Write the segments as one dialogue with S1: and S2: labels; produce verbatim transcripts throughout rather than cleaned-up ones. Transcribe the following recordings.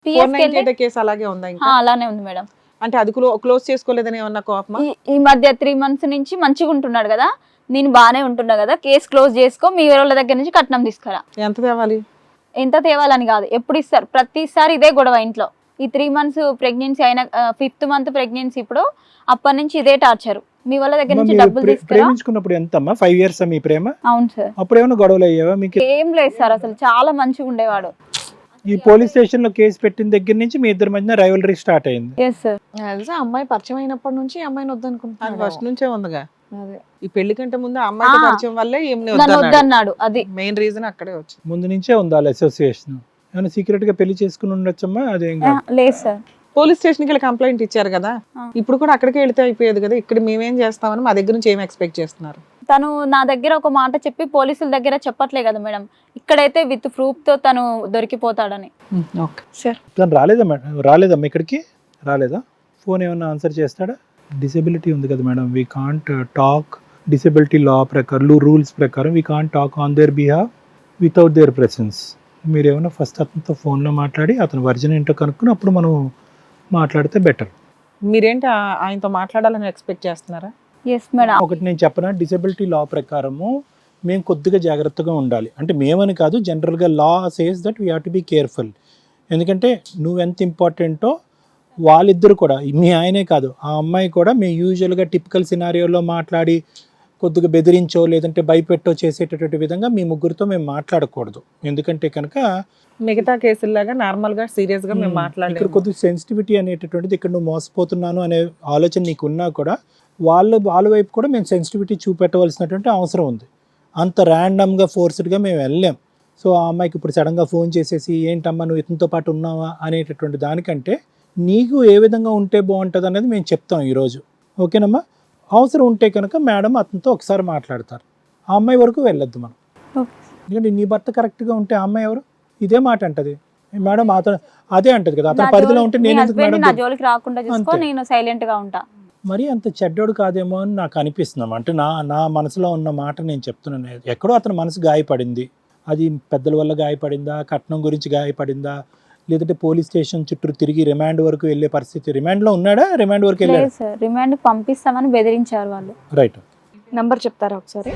S1: PS case అలాగే ఉందా ఇంకా?
S2: అలానే ఉంది మేడం.
S1: అంటే అది క్లోజ్ చేసుకోలేదని ఏమన్నా కోపమా?
S2: ఈ మధ్య త్రీ మంత్స్ నుంచి మంచిగా ఉంటున్నాడు కదా, నేను బానే ఉంటున్నా కదా, కేసు క్లోజ్ చేసుకో, మీ వాళ్ళ దగ్గర నుంచి కట్నం తీసుకురా.
S1: ఎంత తేవాలి?
S2: ఎంత తేవాలని కాదు, ఎప్పుడు ఇస్తారు, ప్రతిసారి ఇదే గొడవ ఇంట్లో. ఈ త్రీ మంత్స్ ప్రెగ్నెన్సీ అయిన ఫిఫ్త్ మంత్ ప్రెగ్నెన్సీ ఇప్పుడు, అప్పటి నుంచి ఇదే టార్చర్. మీ వాళ్ళ దగ్గర నుంచి డబ్బులు తీసుకురా.
S3: ప్రేమించుకున్నప్పుడు ఎంతమ్మా? ఫైవ్ ఇయర్స్ మీ ప్రేమ?
S2: అవును సార్.
S3: అప్పుడు ఏమైనా గొడవలు అయ్యావా మీకు?
S2: ఏం లేదు సార్, అసలు చాలా మంచిగా ఉండేవాడు.
S3: ఈ పోలీస్ స్టేషన్ లో కేసు పెట్టిన దగ్గర నుంచి మీ ఇద్దరి మధ్య రైవలరీ స్టార్ట్ అయింది.
S2: Yes sir.
S1: తెలుసా, అమ్మాయి పరిచయం అయినప్పటి నుంచి అమ్మాయిని వద్దనుకుంటున్నాను. ఫస్ట్ నుంచే ఉందిగా.
S2: అదే
S1: ఈ పెళ్లి కంటే ముందు అమ్మాయి పరిచయం వల్లే
S2: వద్దన్నాడు. అది
S1: మెయిన్ రీజన్ అక్కడే వచ్చింది.
S3: ముందు నుంచే ఉందా అసోసియేషన్? ఏమైనా సీక్రెట్ గా పెళ్లి చేసుకుని ఉండొచ్చమ్మా? అదేం
S2: లేదు సార్.
S1: పోలీస్ స్టేషన్ కి వెళ్ళి కంప్లైంట్ ఇచ్చారు కదా, ఇప్పుడు కూడా అక్కడికే వెళ్తే అయిపోయేది కదా. ఇక్కడ మేమేం చేస్తామని మా దగ్గర నుంచి ఏం ఎక్స్పెక్ట్ చేస్తున్నారు?
S2: తను నా దగ్గర ఒక మాట చెప్పి పోలీసుల దగ్గర చెప్పట్లే కదా మేడం, ఇక్కడైతే విత్ ప్రూఫ్ తో తను దొరికిపోతాడని.
S1: Okay sir.
S3: తను రాలేదా మేడం? రాలేదమ్మా ఇక్కడికి? రాలేదా? ఫోన్ ఏమన్నా ఆన్సర్ చేస్తాడా? డిసెబిలిటీ ఉంది కదా madam, we can't talk. Disability law ప్రకారం, రూల్స్ ప్రకారం we can't talk on their behalf without their presence. మీరు ఏమైనా ఫస్ట్ అతనితో ఫోన్లో మాట్లాడి అతని వర్జన్ ఏంటో కనుక్కుని అప్పుడు మనం మాట్లాడితే బెటర్.
S1: మీరేంటి ఆయనతో మాట్లాడాలని ఎక్స్పెక్ట్ చేస్తున్నారా?
S2: Yes madam.
S3: ఒకటి నేను చెప్పనా, డిసెబిలిటీ లా ప్రకారము మేము కొద్దిగా జాగ్రత్తగా ఉండాలి. అంటే మేమని కాదు, జనరల్గా law says that we have to be careful. ఎందుకంటే నువ్వెంత ఇంపార్టెంటో వాళ్ళిద్దరు కూడా, మీ ఆయనే కాదు ఆ అమ్మాయి కూడా, మేము యూజువల్గా టిపికల్ సినారియోలో మాట్లాడి కొద్దిగా బెదిరించో లేదంటే భయపెట్టో చేసేటటువంటి విధంగా మీ ముగ్గురితో మేము మాట్లాడకూడదు. ఎందుకంటే కనుక
S1: మిగతా కేసుల్లాగా నార్మల్ గా సీరియస్ గా మేము మాట్లాడలేదు.
S3: ఇక్కడ కొద్దిగా సెన్సిటివిటీ అనేటటువంటిది, ఇక్కడ నువ్వు మోసపోతున్నాను అనే ఆలోచన నీకు ఉన్నా కూడా వాళ్ళ వాళ్ళ వైపు కూడా మేము సెన్సిటివిటీ చూపెట్టవలసినటువంటి అవసరం ఉంది. అంత ర్యాండమ్గా ఫోర్స్డ్గా మేము వెళ్ళాం. సో ఆ అమ్మాయికి ఇప్పుడు సడన్గా ఫోన్ చేసేసి ఏంటమ్మా నువ్వు ఇతనితో పాటు ఉన్నావా అనేటటువంటి దానికంటే నీకు ఏ విధంగా ఉంటే బాగుంటుంది అనేది మేము చెప్తాం ఈరోజు. ఓకేనమ్మా? అవసరం ఉంటే కనుక మేడం అతనితో ఒకసారి మాట్లాడతారు. ఆ అమ్మాయి వరకు వెళ్ళొద్దు మనం. ఎందుకంటే నీ భర్త కరెక్ట్గా ఉంటే ఆ అమ్మాయి ఎవరు? ఇదే మాట అంటది మేడం. అతను అదే అంటది కదా, అతని పరిధిలో ఉంటే నేను ఎందుకు మేడం?
S2: నా జోలికి రాకుండా చూసుకో, నేను సైలెంట్ గా ఉంటా.
S3: మరి అంత చెడ్డోడు కాదేమో అని నాకు అనిపిస్తున్నాం. అంటే నా నా మనసులో ఉన్న మాట నేను చెప్తున్నాను. ఎక్కడో అతని మనసు గాయపడింది. అది పెద్దల వల్ల గాయపడిందా, కట్నం గురించి గాయపడిందా, లేదంటే పోలీస్ స్టేషన్ చుట్టూ తిరిగి రిమాండ్ వరకు వెళ్ళే పరిస్థితి? రిమాండ్ లో ఉన్నాడా? రిమాండ్ వరకు వెళ్ళాడు
S2: సార్. రిమాండ్ పంపిస్తామని బెదిరించారు వాళ్ళు.
S3: రైట్.
S1: నంబర్ చెప్తారా ఒకసారి?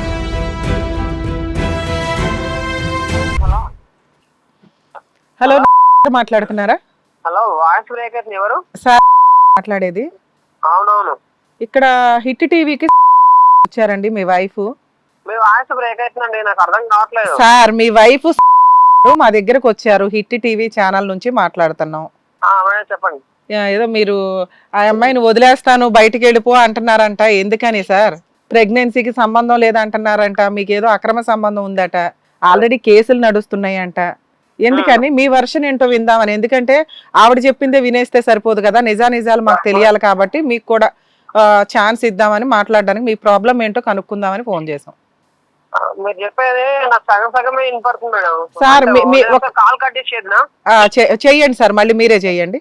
S1: హలో, మాట్లాడుతున్నారా?
S4: హలో, వాయిస్ బ్రేకర్ ఎవరు?
S1: సార్ మాట్లాడేది.
S4: అవునవును.
S1: ఇక్కడ హిట్ టీవీకి వచ్చారండి మీ వైఫ్.
S4: మీ వాయిస్ బ్రేక్ అవుతుందండి, నాకు అర్థం కావట్లేదు.
S1: సార్ మీ వైఫ్ మా దగ్గరకు వచ్చారు, హిట్ టీవీ ఛానల్ నుంచి మాట్లాడుతున్నాం.
S4: చెప్పండి.
S1: ఏదో మీరు ఆ అమ్మాయిని వదిలేస్తాను బయటికి వెళ్ళిపో అంటున్నారంట. ఎందుకని సార్? ప్రెగ్నెన్సీకి సంబంధం లేదంటున్నారంట, మీకు ఏదో అక్రమ సంబంధం ఉందట, ఆల్రెడీ కేసులు నడుస్తున్నాయి అంట. ఎందుకని? మీ వర్షన్ ఏంటో విందామని. ఎందుకంటే ఆవిడ చెప్పిందే వినేస్తే సరిపోదు కదా, నిజా నిజాలు మాకు తెలియాలి కాబట్టి మీకు కూడా ఛాన్స్ ఇద్దామని మాట్లాడడానికి, మీ ప్రాబ్లం ఏంటో కనుక్కుందామని ఫోన్ చేసాం.
S4: మీరు చెప్పేది నాకు సగం సగమే వినపడుతుంది మేడం.
S1: సార్
S4: కాల్ కట్ చేసేదినా?
S1: చెయ్యండి సార్, మళ్ళీ మీరే చెయ్యండి.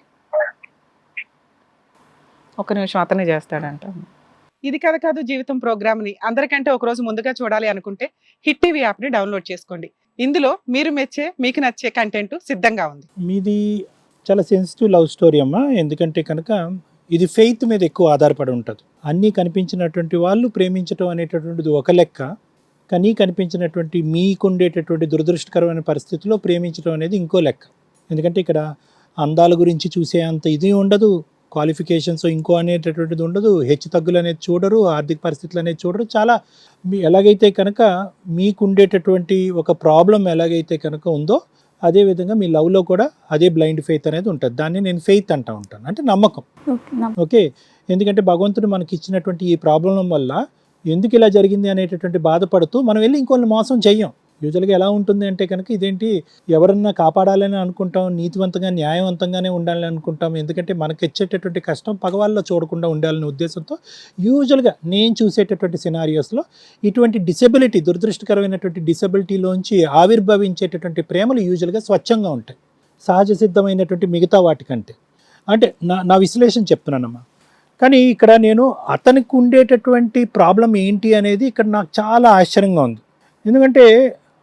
S1: ఒక నిమిషం, అతనే చేస్తాడంట. ఇది కథ కాదు జీవితం ప్రోగ్రామ్ ని అందరికంటే ఒక రోజు ముందుగా చూడాలి అనుకుంటే హిట్ టీవీ యాప్ ని డౌన్లోడ్ చేసుకోండి. ఇందులో మీరు మెచ్చే, మీకు నచ్చే కంటెంట్ సిద్ధంగా ఉంది.
S3: మీది చాలా సెన్సిటివ్ లవ్ స్టోరీ అమ్మా. ఎందుకంటే కనుక ఇది ఫెయిత్ మీద ఎక్కువ ఆధారపడి ఉంటుంది. అన్నీ కనిపించినటువంటి వాళ్ళు ప్రేమించడం అనేటటువంటిది ఒక లెక్క, కానీ కనిపించినటువంటి మీకుండేటటువంటి దురదృష్టకరమైన పరిస్థితుల్లో ప్రేమించడం అనేది ఇంకో లెక్క. ఎందుకంటే ఇక్కడ అందాల గురించి చూసే అంత ఇది ఉండదు, క్వాలిఫికేషన్స్ ఇంకో అనేటటువంటిది ఉండదు, హెచ్చు తగ్గులు అనేది చూడరు, ఆర్థిక పరిస్థితులు అనేది చూడరు. చాలా మీ ఎలాగైతే కనుక మీకుండేటటువంటి ఒక ప్రాబ్లం ఎలాగైతే కనుక ఉందో అదేవిధంగా మీ లవ్లో కూడా అదే బ్లైండ్ ఫెయిత్ అనేది ఉంటుంది. దాన్ని నేను ఫెయిత్ అంటూ ఉంటాను, అంటే నమ్మకం. ఓకే, ఎందుకంటే భగవంతుడు మనకి ఇచ్చినటువంటి ఈ ప్రాబ్లం వల్ల ఎందుకు ఇలా జరిగింది అనేటటువంటి బాధపడుతూ మనం వెళ్ళి ఇంకొన్ని మోసం చెయ్యం. యూజువల్గా ఎలా ఉంటుంది అంటే కనుక ఇదేంటి ఎవరన్నా కాపాడాలని అనుకుంటాం, నీతివంతంగా న్యాయవంతంగానే ఉండాలని అనుకుంటాం. ఎందుకంటే మనకి ఇచ్చేటటువంటి కష్టం పగవాళ్ళలో చూడకుండా ఉండాలనే ఉద్దేశంతో యూజువల్గా నేను చూసేటటువంటి సినారియోస్లో ఇటువంటి డిసెబిలిటీ, దురదృష్టకరమైనటువంటి డిసెబిలిటీలోంచి ఆవిర్భవించేటటువంటి ప్రేమలు యూజువల్గా స్వచ్ఛంగా ఉంటాయి, సహజ సిద్ధమైనటువంటి మిగతా వాటికంటే. అంటే నా నా విశ్లేషణ చెప్తున్నానమ్మా. కానీ ఇక్కడ నేను అతనికి ఉండేటటువంటి ప్రాబ్లం ఏంటి అనేది ఇక్కడ నాకు చాలా ఆశ్చర్యంగా ఉంది. ఎందుకంటే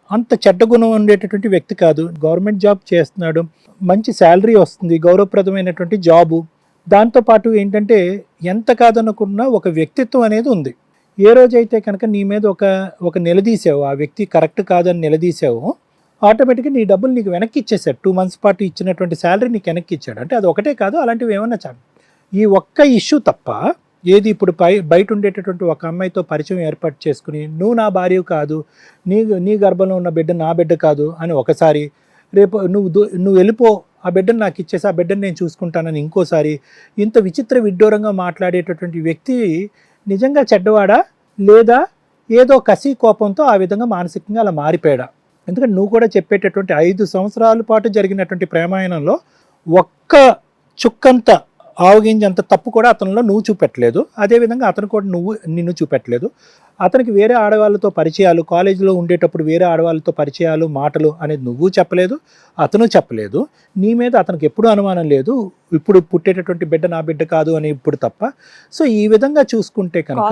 S3: అంత చెడ్డ గుణం ఉండేటటువంటి వ్యక్తి కాదు. గవర్నమెంట్ జాబ్ చేస్తున్నాడు, మంచి శాలరీ వస్తుంది, గౌరవప్రదమైనటువంటి జాబు. దాంతోపాటు ఏంటంటే ఎంత కాదనుకున్నా ఒక వ్యక్తిత్వం అనేది ఉంది. ఏ రోజైతే కనుక నీ మీద ఒక ఒక నిలదీసావు, ఆ వ్యక్తి కరెక్ట్ కాదని నిలదీసావు, ఆటోమేటిక్గా నీ డబ్బులు నీకు వెనక్కి ఇచ్చేసాడు. టూ మంత్స్ పాటు ఇచ్చినటువంటి శాలరీ నీకు వెనక్కి ఇచ్చాడు. అంటే అది ఒకటే కాదు, అలాంటివి ఏమన్నా చాలు. ఈ ఒక్క ఇష్యూ తప్ప ఏది ఇప్పుడు పై బయట ఉండేటటువంటి ఒక అమ్మాయితో పరిచయం ఏర్పాటు చేసుకుని నువ్వు నా భార్య కాదు, నీ నీ గర్భంలో ఉన్న బిడ్డ నా బిడ్డ కాదు అని ఒకసారి, రేపు నువ్వు దు- నువ్వు వెళ్ళిపో, ఆ బిడ్డను నాకు ఇచ్చేసి ఆ బిడ్డను నేను చూసుకుంటానని ఇంకోసారి, ఇంత విచిత్ర విడ్డూరంగా మాట్లాడేటటువంటి వ్యక్తి నిజంగా చెడ్డవాడా లేదా ఏదో కసి కోపంతో ఆ విధంగా మానసికంగా అలా మారిపోయాడా? ఎందుకంటే నువ్వు కూడా చెప్పేటటువంటి ఐదు సంవత్సరాల పాటు జరిగినటువంటి ప్రేమాయణంలో ఒక్క చుక్కంత ఆవగింజంత తప్పు కూడా అతనిలో నువ్వు చూపెట్టలేదు. అదేవిధంగా అతను కూడా నువ్వు నిన్ను చూపెట్టలేదు. అతనికి వేరే ఆడవాళ్ళతో పరిచయాలు, కాలేజీలో ఉండేటప్పుడు వేరే ఆడవాళ్ళతో పరిచయాలు, మాటలు అనేది నువ్వు చెప్పలేదు, అతను చెప్పలేదు. నీ మీద అతనికి ఎప్పుడూ అనుమానం లేదు, ఇప్పుడు పుట్టేటటువంటి బిడ్డ నా బిడ్డ కాదు అని ఇప్పుడు తప్ప. సో ఈ విధంగా చూసుకుంటే కనుక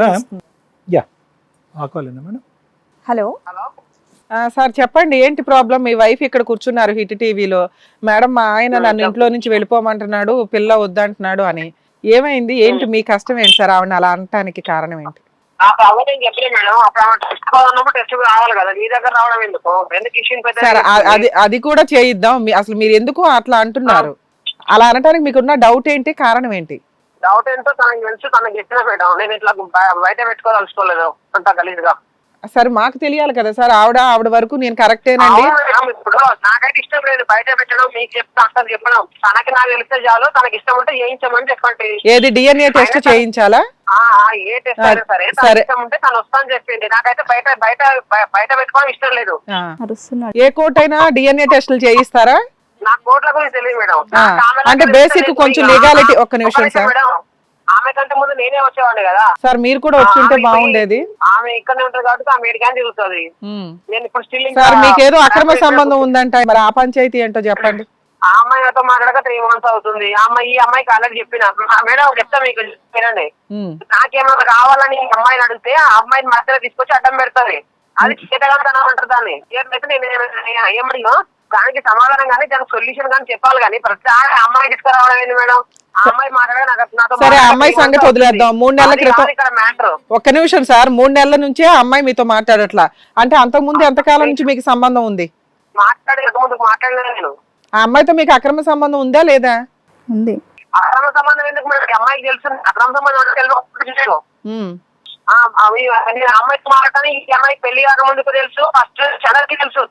S3: యా ఆకోలేనా మేడం?
S2: హలో
S4: హలో
S1: ఆ, సార్ చెప్పండి, ఏంటి ప్రాబ్లం? మీ వైఫ్ ఇక్కడ కూర్చున్నారు హిట్ టీవీలో, మేడం మా ఆయన నన్ను ఇంట్లో నుంచి వెళ్ళిపోమంటున్నాడు, పిల్ల వద్దంటున్నాడు అని. ఏమైంది, ఏంటి మీ కష్టం ఏంటి సార్? ఆవిడ అలా అనటానికి కారణం ఏంటి?
S4: నాకు అవ్వ నేను చెప్పలేదు మేడం. అప్పుడు ఆమె టెస్ట్ కావాలన్నప్పుడు టెస్ట్ రావాలి కదా, మీ దగ్గర రావడం ఎందుకు? ఎందుకు ఇష్యూ
S1: సార్ ఆ- అది అది కూడా చేయిద్దాం. మీ- అసలు మీరు ఎందుకు అట్లా అంటున్నారు? అలా అనటానికి మీకున్న డౌట్ ఏంటి, కారణం ఏంటి?
S4: డౌట్ ఏంటో తనకి తెలుసు, తనకి చెప్పిన మేడం. నేను ఇట్లా బ- బయట పెట్టుకోదలుచుకోలేదు అంత గలీజ్గా.
S1: సార్ మాకు తెలియాలి కదా సార్, ఆవిడ ఆవిడ వరకు నేను కరెక్టేనండి.
S4: అవును మేడం, ఇప్పుడు నాకైతే ఇష్టం లేదు బయట పెట్టడం, మీకు చెప్తా అంతా చెప్పడం. తనకి నాకు తెలిస్తే చాలు, తనకి ఇష్టం ఉంటే చేయించమని చెప్పండి.
S1: ఏది డిఎన్ఏ టెస్ట్ చేయించాలా?
S4: ఆ, ఆ, ఏ టెస్ట్ అయినా సరే తనకి
S1: సరే.
S4: ఇష్టం ఉంటే తను వస్తా అని చెప్పింది. నాకైతే బయట బయట బయ- బయట పెట్టుకోవడం ఇష్టం లేదు.
S1: ఆ.
S2: అరుస్తున్నాడు.
S1: ఏ కోర్ట్ అయినా డిఎన్ఏ టెస్టులు చేయిస్తారా?
S4: నాకు కోట్ల గురించి తెలియదు మేడం.
S1: ఆ,
S4: నాకు ఆమె
S1: అంటే
S4: దగ్గర
S1: basic
S4: తెలియదు.
S1: కొంచెం
S4: ఆ,
S1: legality, ఒక్క
S4: ఒక్క
S1: నిమిషం
S4: నిమిషం
S1: సార్.
S4: మేడం. ఆమె కంటే ముందు నేనే వచ్చేవాడిని కదా.
S1: సార్ మీరు కూడా వచ్చుంటే
S4: ఆమె
S1: బాగుండేది.
S4: ఆమె ఇక్కడనే ఉంటుంది కాబట్టి ఆమె ఏడికాని తిరుగుతుంది.
S1: ఉమ్.
S4: నేను ఇప్పుడు స్టిల్
S1: సార్ మీకేదో అక్రమ సంబంధం ఉందంట, మరి ఆ పంచాయతీ ఏంటో చెప్పండి.
S4: ఆ అమ్మాయి నాతో మాట్లాడక త్రీ మంత్స్ అవుతుంది. ఆ అమ్మాయి ఈ అమ్మాయికి ఆల్రెడీ చెప్పిన ఆ మేడం చెప్తా మీకు వినండి.
S1: ఉమ్.
S4: నాకేమన్నా కావాలని ఈ అమ్మాయిని అడిగితే ఆ అమ్మాయిని మధ్యలో తీసుకొచ్చి అడ్డం పెడతాది. అది చేతగలుగుతాను అంటారు దాన్ని. చేతనైతే నేను ఏమ- ఏమడిగా దానికి సమాధానం కానీ దానికి సొల్యూషన్ కానీ చెప్పాలి కానీ ప్రతిసారి ఆ అమ్మాయి తీసుకురావడం ఏంది మేడం? ఆ అమ్మాయి మాట్లాడే నాకు నాతో
S1: సరే, ఆ
S4: మాట్లాడక
S1: అమ్మాయి
S4: three months
S1: సంగతి వదిలేద్దాం.
S4: అవుతుంది.
S1: మూడు నెలల
S4: అది
S1: క్రితం-
S4: కాదు ఇక్కడ మ్యాటర్.
S1: ఒక్క నిమిషం సార్, మూడు నెలల నుంచే ఆ అమ్మాయి మీతో మాట్లాడట్లా అంటే అంతకు ముందు ఎంతకాలం నుంచి మీకు సంబంధం ఉంది?
S4: మాట్లాడే ముందు మాట్లాడలేదు నేను.
S1: ఆ అమ్మాయితో మీకు అక్రమ సంబంధం ఉందా లేదా?
S2: ఉంది.
S4: అక్రమ సంబంధం ఎందుకు మేడం? ఈ అమ్మాయికి తెలుసు అక్రమ సంబంధం అంటే తెలియదు.
S1: ఉమ్.
S4: ఆ, అవి అన్ని అమ్మాయికి మాట్లాడని ఈ అమ్మాయికి పెళ్లి కాక ముందుకు తెలుసు, ఫస్ట్ చదవకి తెలుసు.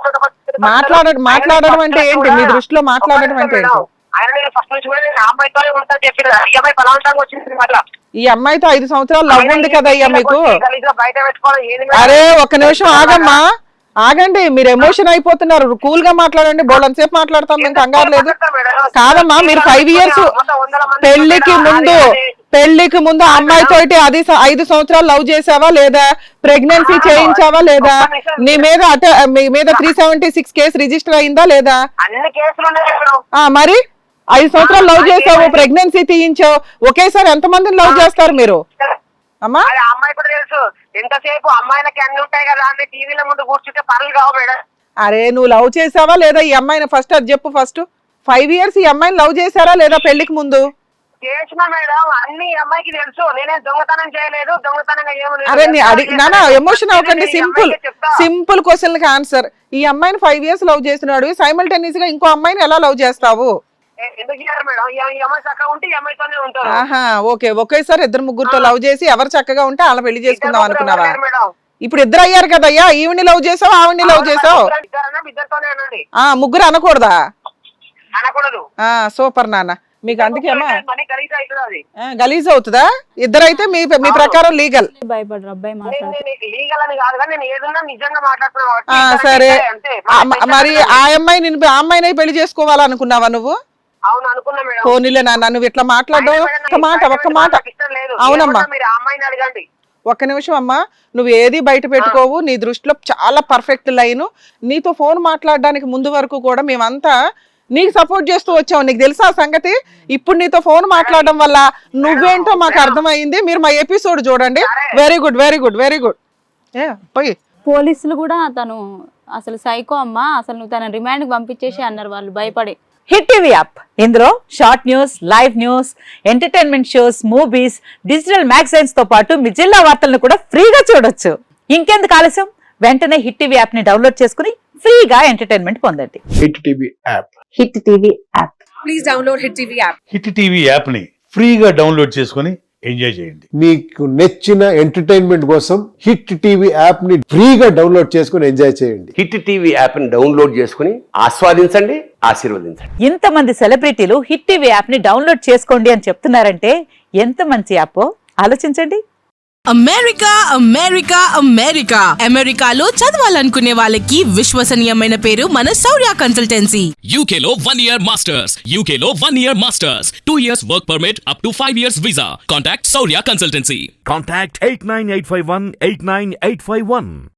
S1: మాట్లాడ మాట్లాడడం అంటే ఏంటి మీ దృష్టిలో? మాట్లాడడం అంటే ఏంటి?
S4: ఆయన నేను ఫస్ట్ నుంచి కూడా నేను ఆ అమ్మాయితోనే ఉంటా చెప్పిన. ఈ అమ్మాయి బలవంతంగా వచ్చింది మళ్ళా.
S1: ఈ అమ్మాయితో ఐదు సంవత్సరాలు లవ్ ఉంది కదయ్యా మీకు.
S4: గలీజ్గా బయట పెట్టుకోవడం ఏది మేడం?
S1: అరే ఒక్క నిమిషం ఆగమ్మా, ఆగండి, మీరు ఎమోషన్ అయిపోతున్నారు. కూల్ గా మాట్లాడండి, బోళ్ళని సేపు మాట్లాడతాం, మేము కంగారు లేదు. కాదమ్మా, మీరు ఫైవ్ ఇయర్స్ పెళ్లికి ముందు పెళ్లికి ముందు ఆ అమ్మాయితో అది స- ఐదు సంవత్సరాలు లవ్ చేసావా లేదా? ప్రెగ్నెన్సీ చేయించావా లేదా? నీ మీద అట మీ మీద three seventy six case register అయిందా లేదా?
S4: అన్ని కేసులు ఉన్నాయి మేడం.
S1: ఆ మరి ఐదు సంవత్సరాలు లవ్ చేసావు, ప్రెగ్నెన్సీ తీయించావు, ఒకేసారి ఎంతమందిని లవ్ చేస్తారు మీరు అమ్మా?
S4: అది ఆ అమ్మాయి కూడా తెలుసు. ఎంతసేపు అమ్మాయిలకి అన్ని ఉంటాయి కదా అన్ని టీవీల ముందు కూర్చుంటే పనులు కావు మేడం.
S1: అరే నువ్వు లవ్ చేసావా లేదా ఈ అమ్మాయిని? ఫస్ట్ అది చెప్పు. ఫస్ట్ ఫైవ్ ఇయర్స్ ఈ అమ్మాయిని లవ్ చేశారా లేదా పెళ్లికి ముందు?
S4: చేసిన మేడం, అన్ని ఈ అమ్మాయికి తెలుసు. నేనే దొంగతనం చేయలేదు, దొంగతనంగా ఏమీ
S1: అరే నీ అది నానా ఎమోషన్ అవ్వకండి. సింపుల్ సింపుల్ క్వశ్చన్ కి ఆన్సర్. ఈ అమ్మాయిని ఫైవ్ ఇయర్స్ లవ్ చేస్తున్నాడు, సైమల్టేనియస్ గా ఇంకో అమ్మాయిని ఎలా లవ్ చేస్తావు?
S4: ఎందుకు చేయాలి మేడం? ఈ ఈ అమ్మాయి చక్కగా ఉంటే ఈ అమ్మాయితోనే ఉంటారు.
S1: ఆహా ఓకే, ఒకేసారి ఇద్దరు ముగ్గురుతో లవ్ చేసి ఎవరు చక్కగా ఉంటే అలా పెళ్లి చేసుకుందాం అనుకున్నావా?
S4: మేడం
S1: ఇప్పుడు ఇద్దరు అయ్యారు కదయ్యా, ఈవిని లవ్ చేసావు, ఆవిడ్ని లవ్ చేసావు.
S4: ఇద్దరన్నా ఇద్దరితోనే అనండి,
S1: ఆ ముగ్గురు అనకూడదా?
S4: అనకూడదు.
S1: ఆ సూపర్ నాన్న, మీకు అందుకేమా
S4: మనీ ఖరీదు అవుతుంది అది.
S1: గలీజ్ అవుతుందా? ఇద్దరైతే మీ మీ ప్రకారం లీగల్.
S2: భయపడరు అబ్బాయి
S4: నేను
S2: మాట్లాడు.
S4: నేను లీగల్ అని కాదు కానీ నేను ఏదన్నా నిజంగా మాట్లాడుతున్నా కాబట్టి
S1: ఆ
S4: ఇద్దరికి
S1: సరే,
S4: అంతే.
S1: ఆ, మ- మరి ఆ అమ్మాయి నేను ఆ అమ్మాయిని పెళ్లి చేసుకోవాలనుకున్నావా నువ్వు?
S4: అవును అనుకున్నా మేడం.
S1: పోనీలే నాన్న, నువ్వు ఇట్లా మాట్లాడడం ఒక్క మాట ఒక్క మాట.
S4: నాకు ఇష్టం లేదు.
S1: అవునమ్మా.
S4: ఏమన్నా మీరు ఆ అమ్మాయిని అడగండి.
S1: ఒక్క నిమిషం అమ్మా, నువ్వు ఏది బయట పెట్టుకోవు, నీ దృష్టిలో చాలా పర్ఫెక్ట్ లైన్. నీతో ఫోన్ మాట్లాడడానికి ముందు వరకు కూడా మేమంతా నీకు సపోర్ట్ చేస్తూ వచ్చావు, నీకు తెలుసా ఆ సంగతి? ఇప్పుడు నీతో ఫోన్ మాట్లాడడం వల్ల నువ్వేంటో మాకు అర్థమైంది. మీరు మా ఎపిసోడ్ చూడండి. Very good very good very good. ఏ పోయి
S2: పోలీసులు కూడా తను అసలు సైకో అమ్మా, అసలు నువ్వు తన రిమాండ్కి పంపించేసి అన్నారు వాళ్ళు భయపడి.
S5: హిట్ టీవీ యాప్ ఇందులో short news, live news, entertainment shows, movies, digital magazines తో పాటు మీ జిల్లా వార్తలను కూడా ఫ్రీగా చూడొచ్చు. ఇంకెందుకు ఆలస్యం, వెంటనే హిట్ టీవీ యాప్ ని డౌన్లోడ్ చేసుకుని ఫ్రీగా ఎంటర్టైన్మెంట్ పొందండి.
S6: Hit TV app
S5: hit TV app.
S7: Please download hit TV app.
S8: Hit TV app ని ఫ్రీగా డౌన్లోడ్ చేసుకొని ఎంజాయ్ చేయండి.
S6: మీకు నచ్చిన ఎంటర్టైన్మెంట్ కోసం హిట్ టీవీ యాప్ ని ఫ్రీగా డౌన్లోడ్ చేసుకొని ఎంజాయ్ చేయండి.
S9: హిట్ టీవీ యాప్ ని డౌన్లోడ్ చేసుకుని ఆస్వాదించండి, ఆశీర్వదించండి.
S5: ఇంతమంది సెలబ్రిటీలు హిట్ టీవీ యాప్ ని డౌన్లోడ్ చేసుకోండి అని చెప్తున్నారంటే ఎంత మంచి యాప్ ఆలోచించండి.
S7: అమెరికా అమెరికా అమెరికా అమెరికాలో చదవాలనుకునే వాళ్ళకి విశ్వసనీయమైన పేరు మన శౌర్య కన్సల్టెన్సీ.
S10: U K లో one year masters, U K లో one year masters, two years work permit up to five years visa. Contact Saurya Consultancy.
S11: Contact eight nine eight five one eight nine eight five one.